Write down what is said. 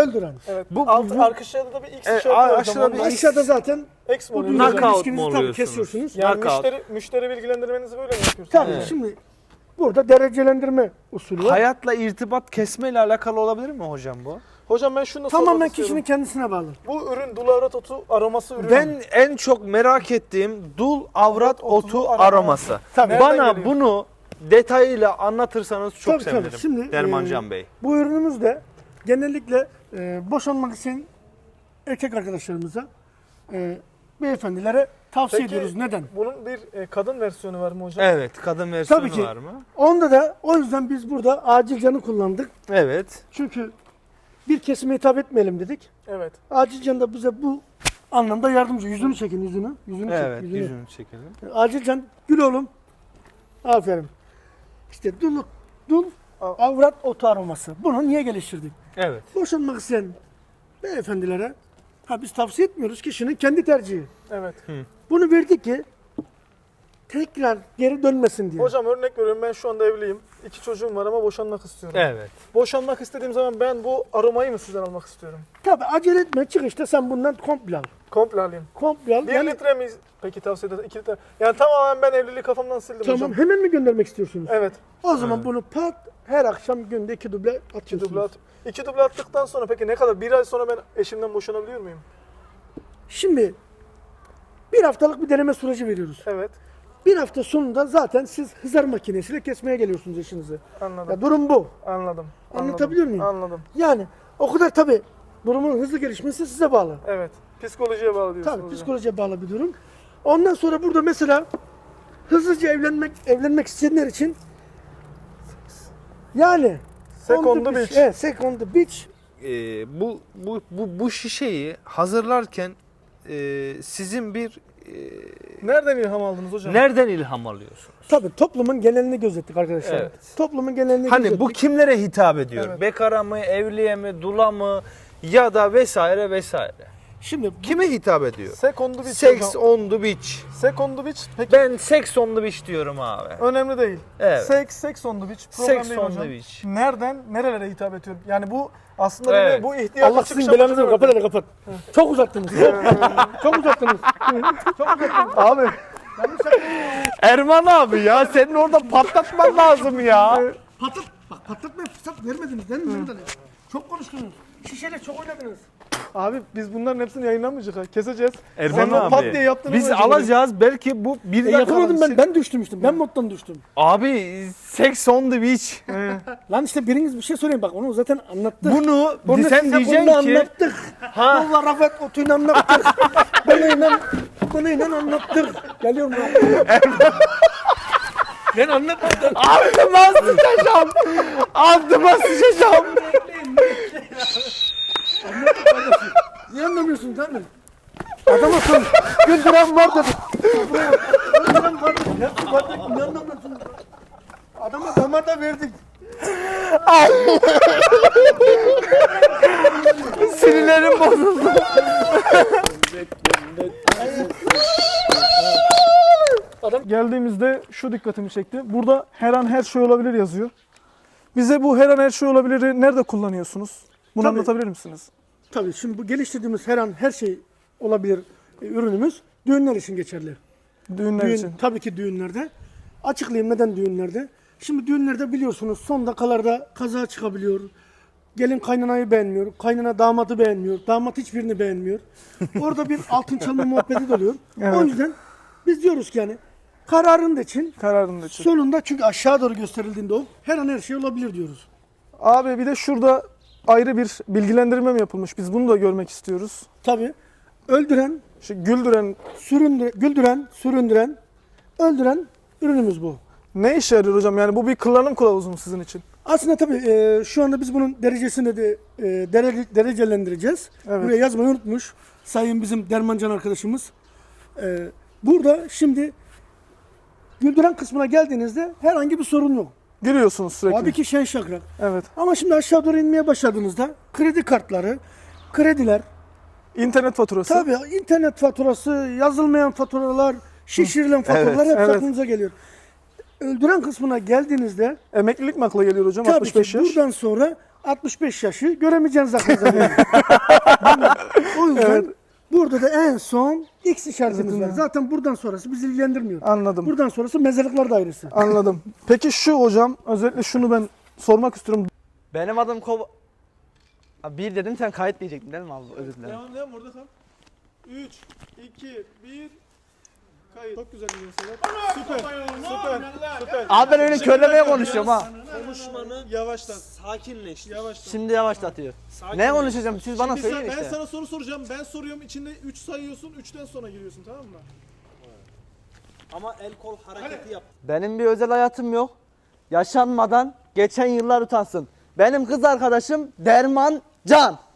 Öldüren. Evet. Bu- Aşağıda da bir X işareti var. aşağıda bir Aşağıda zaten X mi bu oluyor? Knockout ilişkinizi mu tabii oluyorsunuz? kesiyorsunuz. Yani Knockout. müşteri bilgilendirmenizi böyle mi yapıyorsunuz? Tabii Evet. şimdi burada derecelendirme usulü var. Hayatla irtibat kesmeyle alakalı olabilir mi hocam bu? Hocam ben şunu da Tamamen sormak kişinin istiyorum. kendisine bağlı. Bu ürün dulavrat otu aroması ürünü. Ben en çok merak ettiğim dul avrat otu aroması. Tabii. Nereden Bana geliyor? bunu detayıyla anlatırsanız çok Tabii, sevinirim. tabii. Şimdi, Dermancan Bey. Bu ürünümüz de genellikle boşanmak için erkek arkadaşlarımıza, beyefendilere tavsiye Peki, ediyoruz. Neden? bunun bir kadın versiyonu var mı hocam? Evet, kadın versiyonu Tabii ki. var mı? Onda da o yüzden biz burada acil canı kullandık. Evet. Çünkü bir kesime hitap etmeyelim dedik. Evet. Acil can da bize bu anlamda yardımcı. Yüzünü çekin, yüzünü. Yüzünü Evet, çek, yüzünü. yüzünü çekelim. Acil can, gül oğlum. Aferin. İşte dul avrat otu aroması. Bunu niye geliştirdik? Evet. Boşanmak isteyen beyefendilere biz tavsiye etmiyoruz. Kişinin kendi tercihi. Evet. Bunu verdik ki tekrar geri dönmesin diye. Hocam örnek veriyorum, ben şu anda evliyim. 2 çocuğum var ama boşanmak istiyorum. Evet. Boşanmak istediğim zaman ben bu aromayı mı sizden almak istiyorum? Tabii acele etme. Çıkışta sen bundan komple al. Komple alayım. Komple al. 1 Yani, litre mi peki tavsiye edersiniz? 2 litre. Yani tamamen ben evliliği kafamdan sildim tamam, hocam. hemen mi göndermek istiyorsunuz? Evet. O zaman bunu her akşam günde 2 duble 2 atıyorsunuz. duble at. 2 duble attıktan sonra peki ne kadar? 1 ay sonra ben eşimden boşanabiliyor muyum? Şimdi bir haftalık bir deneme süreci veriyoruz. Evet. Bir hafta sonunda zaten siz hızar makinesiyle kesmeye geliyorsunuz eşinizi. Anladım. Ya durum bu. Anladım. Anlatabiliyor muyum? Anladım. Yani o kadar tabii durumun hızlı gelişmesi size bağlı. Evet. Psikolojiye bağlı diyorsunuz. Tabii hocam. psikolojiye bağlı bir durum. Ondan sonra burada mesela hızlıca evlenmek isteyenler için yani Second on the the beach. Evet, second the beach. Bu şişeyi hazırlarken sizin bir Nereden ilham aldınız hocam? nereden ilham alıyorsunuz? Tabii toplumun genelini gözettik arkadaşlar. Evet. Toplumun genelini Hani gözettik. bu kimlere hitap ediyor? Evet. Bekara mı, evliye mi, dula mı ya da vesaire vesaire. Şimdi Kime hitap ediyor? Second the beach Sex hocam. on the beach. Second the beach. Peki Ben sex on the beach diyorum abi. önemli değil. Evet. Sex on the beach. Problem Sex değil on hocam. the beach. Nereden nerelere hitap ediyor? Yani bu aslında Evet. bu ihtiyaç Allah sizin belanızı kapat hadi kapat. Çok uzattınız. Çok uzattınız. Çok uzattınız. Abi Erman abi ya senin orada patlatman lazım ya. Patlatmaya fırsat vermediniz değil mi Mehmet Ali? Çok konuştunuz. Şişeyle çok oynadınız. Abi biz bunların hepsini yayınlamayacağız ha. Keseceğiz. Erman Sen o abi. pat diye yaptığını Biz önce alacağız belki bu bir dakika. Yapamadım ben düştüm işte. Ben moddan düştüm. Abi sex on the beach. Lan işte biriniz bir şey söyleyin bak onu zaten anlattık. Bunu Bunu sen size diyeceksin bunu ki anlattık. Allah Rafet Otu'yla anlattık. Bununla anlattık. Geliyorum lan. Ben anlatmadım. altıma sıçacağım. Altıma sıçacağım. Niye anlamıyorsun değil mi? Adam akıllı. Güldüren var dedi. Güldüren var dedi. Ne var dedi. Ne anlamıyorsun? Adama damar da verdik. Sinirlerim bozuldu. Geldiğimizde şu dikkatimi çekti. Burada her an her şey olabilir yazıyor. Bize bu her an her şey olabilir'i nerede kullanıyorsunuz? Bunu Tabii. anlatabilir misiniz? Tabii şimdi bu geliştirdiğimiz her an her şey olabilir ürünümüz düğünler için geçerli. Düğünler için. Tabii ki düğünlerde. Açıklayayım neden düğünlerde. Şimdi düğünlerde biliyorsunuz son dakikalarda kaza çıkabiliyor. Gelin kaynanayı beğenmiyor. Kaynana damadı beğenmiyor. Damat hiçbirini beğenmiyor. Orada bir altın çalma muhabbeti de oluyor. Evet. O yüzden biz diyoruz ki yani kararın da için Kararında için. sonunda çünkü aşağı doğru gösterildiğinde o her an her şey olabilir diyoruz. Abi bir de şurada ayrı bir bilgilendirme mi yapılmış? Biz bunu da görmek istiyoruz. Tabii öldüren, Şu güldüren güldüren, süründüren, öldüren ürünümüz bu. ne işe yarıyor hocam? Yani bu bir kullanım kılavuzu mu sizin için? Aslında tabii şu anda biz bunun derecesini de derecelendireceğiz. Evet. Buraya yazmayı unutmuş sayın bizim Dermancan arkadaşımız. Burada şimdi güldüren kısmına geldiğinizde herhangi bir sorun yok. Gülüyorsunuz sürekli. Tabii ki şen şakrak. Evet. Ama şimdi aşağı doğru inmeye başladığınızda kredi kartları, krediler, İnternet faturası. tabii internet faturası, yazılmayan faturalar, şişirilen faturalar hep evet. aklınıza geliyor. Öldüren kısmına geldiğinizde Emeklilik mi akla geliyor hocam? tabii 65 ki yaş. buradan sonra 65 yaşı göremeyeceğiniz zaten. O yüzden burada da en son X işaretimiz var. Zaten buradan sonrası bizi ilgilendirmiyor. Anladım. Buradan sonrası mezarlıklar dairesi. Anladım. Peki şu hocam, özellikle şunu ben sormak istiyorum. Benim adım Abi bir dedim sen kayıt diyecektin değil mi abi? Özür dilerim. Devam orada kal. 3, 2, 1, kayıt. Çok güzel gidiyorsun Sedat. Süper. Abi ben öyle körlemeye konuşuyorum ha. Konuşmanı Yavaştan. sakinleştir. Yavaştan. Şimdi yavaşlatıyor. Ne konuşacağım? Siz bana söyleyin Ben işte. sana soru soracağım. Ben soruyorum. İçinde 3 sayıyorsun. 3'ten sonra giriyorsun, tamam mı? Ama el kol hareketi yap. Benim bir özel hayatım yok. Yaşanmadan geçen yıllar utansın. Benim kız arkadaşım Derman Can.